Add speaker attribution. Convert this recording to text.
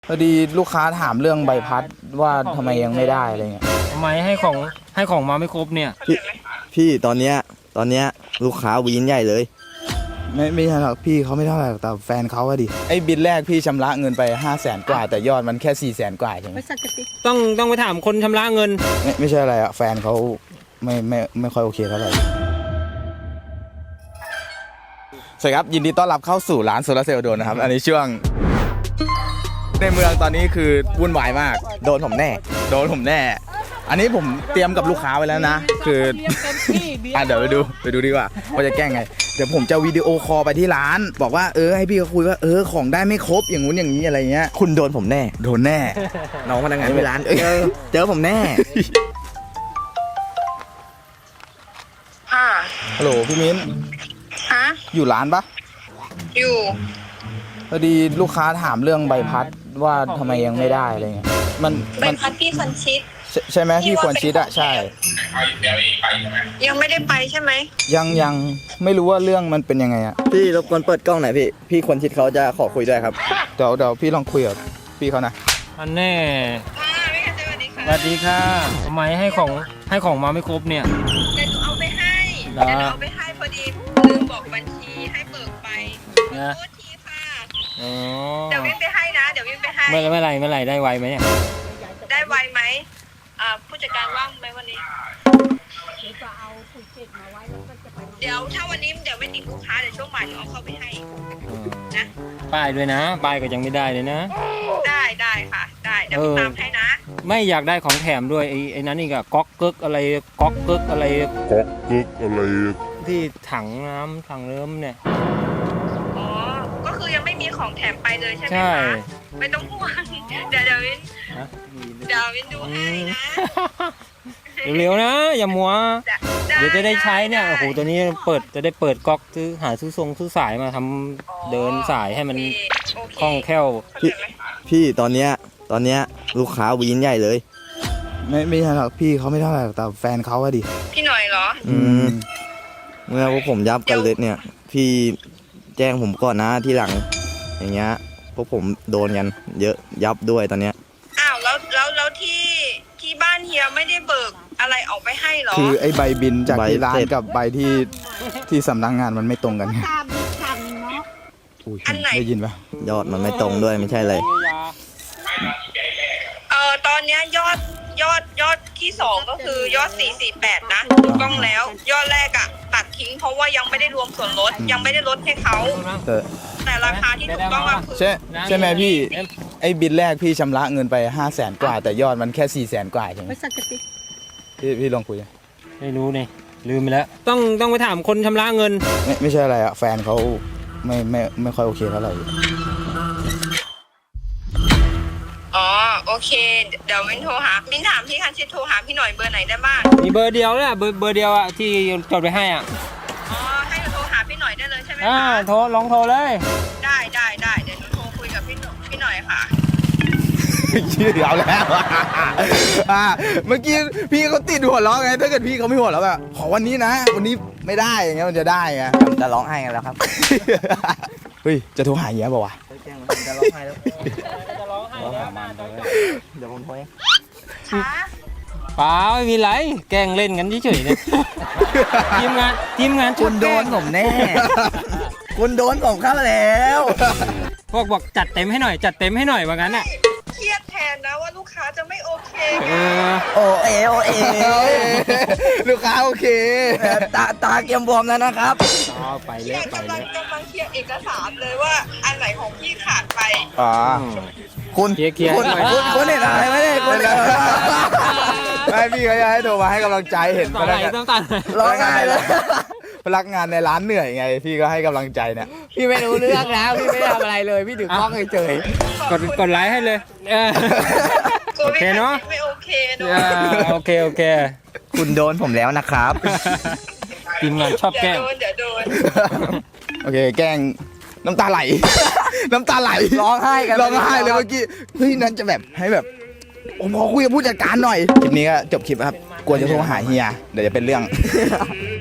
Speaker 1: พอดีลูกค้าถามเรื่องใบพัดว่าทำไมยังไม่ได้อะไรเงี้ย
Speaker 2: ทำไมให้ของมาไม่ครบเนี่ย
Speaker 3: พี่ตอนเนี้ยลูกค้าวีนใหญ่เลย
Speaker 1: ไม่ใช่หรอกพี่เขาไม่เท่าไหร่แต่แฟนเขาอะดิไอ้บินแรกพี่ชำระเงินไป500,000 กว่าแต่ยอดมันแค่400,000 กว่าใช่ไหม
Speaker 2: ต้องไปถามคนชำระเงิน
Speaker 1: ไม่ใช่อะไรอะแฟนเขาไม่ค่อยโอเคเท่าไหร่สวัสดีครับยินดีต้อนรับเข้าสู่ร้านโซลาร์เซลล์โดนนะครับอันนี้ช่วงในเมืองตอนนี้คือวุ่นวายมากโดนผมแน่อันนี้ผมเตรียมกับลูกค้าไว้แล้วนะคือเดี๋ยวไปดูดีกว่าจะแกล้งไงเดี๋ยวผมจะวิดีโอคอลไปที่ร้านบอกว่าให้พี่เขาคุยว่าของได้ไม่ครบอย่างงู้นอย่างนี้อะไรเงี้ย
Speaker 3: คุณโดนผมแน่น้องพนักงานที่ร้านเจอผมแน่
Speaker 1: ฮัลโหลพี่มิ้นอยู่ร้านปะ
Speaker 4: อยู่
Speaker 1: พอดีลูกค้าถามเรื่องใบพัดว่าทำไมยังไม่ได้อะไรเงี้ย
Speaker 4: ใบพัดพี่ควรชิด
Speaker 1: ใช่ไหมพี่ควรชิดอะใช่
Speaker 4: ยังไม่ได้ไปใช่ไหม
Speaker 1: ยังไม่รู้ว่าเรื่องมันเป็นยังไงอะ
Speaker 3: พี่รบกวนเปิดกล้องหน่อยพี่ควรชิดเขาจะขอคุยด้วยครับ
Speaker 1: เดี๋ยวพี่ลองคุยกับพี่เขานะ
Speaker 2: อันแน่สวัสดีค่ะทำไมให้ของมาไม่ครบเนี่ย
Speaker 4: เดี๋ยวหนูเอาไปให้พอดีลืมบอกบัญชีให้เบิกไปขอโทษทีค่ะเดี๋ยววิ่งไปให้นะเ
Speaker 2: มื่อไหร่ได้ไวไหมเนี่ย
Speaker 4: ได้ไวไหมผู้จัดการว่างไหมวันนี้เดี๋ยวถ้าวันนี้เดี๋ยวไม่ติดลูกค้าเดี๋ยวช่วงบ่ายหนูเอาเข้าไปให้นะ
Speaker 2: ป้ายด้วยนะป้ายก็ยังไม่ได้เลยนะ
Speaker 4: ได้ค่ะได้เดี๋ยวตามให้นะ
Speaker 2: ไม่อยากได้ของแถมด้วยไอ้นั้นนี่ก็ก๊อกเก๊กอะไรที่ถังน้ำถังเริ่มเนี่ย
Speaker 4: อ๋อก็คือยังไม่มีของแถมไปเลยใช่ไหมคะไม่ต้องห่วงเดี๋ยววินดูให้นะ
Speaker 2: เร็วๆนะอย่ามัวเดี๋ยวจะได้ใช้เนี่ยโอ้โหตัวนี้จะได้เปิดก๊อกหาซื้อสายมาทำเดินสายให้มันคล่องแคล่ว
Speaker 3: พี่ตอนเนี้ยลูกค้าวีนใหญ่เลย
Speaker 1: ไม่ใช่หรอกพี่เขาไม่เท่าไหร่แต่แฟนเขาอะดิ
Speaker 4: พี่หน่อยเหรอ
Speaker 3: เมื่อพวกผมยับกันเลยเนี่ยพี่แจ้งผมก่อนนะที่หลังอย่างเงี้ยพวกผมโดนกันเยอะยับด้วยตอนเนี้ย
Speaker 4: อ้าวแล้วที่บ้านเฮียไม่ได้เบิกอะไรออกไปให้หรอ
Speaker 1: คือไอ้ใบบินจากที่ร้านกับใบที่สำนักงานมันไม่ตรงกัน
Speaker 4: อันไหน
Speaker 1: ได้ยินปะ
Speaker 3: ยอดมันไม่ตรงด้วยไม่ใช่เลย
Speaker 4: ตอนเนี้ยยอดที่2ก็คือยอด448นะถูกต้องแล้วยอดแรกอะตัดทิ้งเพราะว่ายังไม่ได้รวมส่วนลดยังไม่ได้ลดให้เขาแต่ราคาที่ถูกต้องก็คือ
Speaker 1: ใช่ไหมพี่ไอ้บินแรกพี่ชำระเงินไป500,000 กว่าแต่ยอดมันแค่400,000 กว่าใช่ไหมพี่ลองคุย
Speaker 2: ไม่รู้นี่ลืมไปแล้วต้องไปถามคนชำระเงิน
Speaker 1: ไม่ใช่อะไรอะแฟนเขาไม่ค่อยโอเคเท่าไหร่
Speaker 4: อ๋อโอเคเดี๋ยวมินถามพี่คันชิดโทรหาพี่หน่อยเบอร์ไหนได้บ้าง
Speaker 2: มีเบอร์เดียวแหละเบอร์เดียวอะที่จดไปให้อ่ะ
Speaker 4: อ๋อให้โทรหาพี่หน่อยได้เลยใช่ไหมคะ
Speaker 2: ลองโทรเลย
Speaker 4: ได้เดี๋ยวหนูโทรคุยกับพี่หน่อยค่ะ
Speaker 1: ชื่อเอาแล้วเมื่อกี้พี่เขาติดหัวเราะไงถ้าเกิดพี่เขาไม่หัวเราะแบบขอวันนี้นะวันนี้ไม่ได้อย่างเงี้ยมันจะได้ไง
Speaker 3: จะร้องไห้กันแล้วครับ
Speaker 1: เฮ้ยจะโทรหาเงี้ยป่าวะ
Speaker 3: จะร้องไห้แล้วเดี๋ยวผมโทรเอง
Speaker 2: เปล่าไม่มีไรแกล้งเล่นกันเฉยๆเนี่ยทีมงาน
Speaker 3: คุณโดนผมแน่คุณโดนผมเข้าแล้ว
Speaker 2: บอกจัดเต็มให้หน่อยว่างั้นอ่ะ
Speaker 4: เครียดแทนนะว่าลูกค้าจะไม่โอเค
Speaker 3: โอเอ
Speaker 1: ลูกค้าโอเค
Speaker 3: ตาเกียมบวมแล้วนะครับ
Speaker 2: ไปเลย
Speaker 4: กำลังเคลียร์เอกสารเลยว่าอันไหนของพี่ขาดไป
Speaker 1: คุณ
Speaker 2: เห็น
Speaker 1: อะไรไหมเนี่ยคุณไม่พี่เขาจะให้โทรมาให้กำลังใจเห็น
Speaker 2: พนักงาน
Speaker 1: ร้องไห้เลยพนักงานในร้านเหนื่อยไงพี่ก็ให้กำลังใจเนี่ย
Speaker 3: พี่ไม่รู้เรื่องนะพี่ไม่ได้ทำอะไรเลยพี่ถือกล้องเฉย
Speaker 2: กดไลค์ให้เลยโอเคเนาะ
Speaker 4: ไม่โอเคเนา
Speaker 2: ะโอเค
Speaker 3: คุณโดนผมแล้วนะครับ
Speaker 2: ทีมงานชอบแกล้ง
Speaker 4: เดี๋ยวโดน
Speaker 1: โอเคแกล้งน้ำตาไหล
Speaker 3: ร้องไห้เลย
Speaker 1: เมื่อกี้เฮ้ยนั่นจะแบบให้แบบผมขอคุยกับผู้จัดการหน่อยคลิปนี้ก็จบคลิปครับกลัวจะโทรหาเฮียเดี๋ยวจะเป็นเรื่อง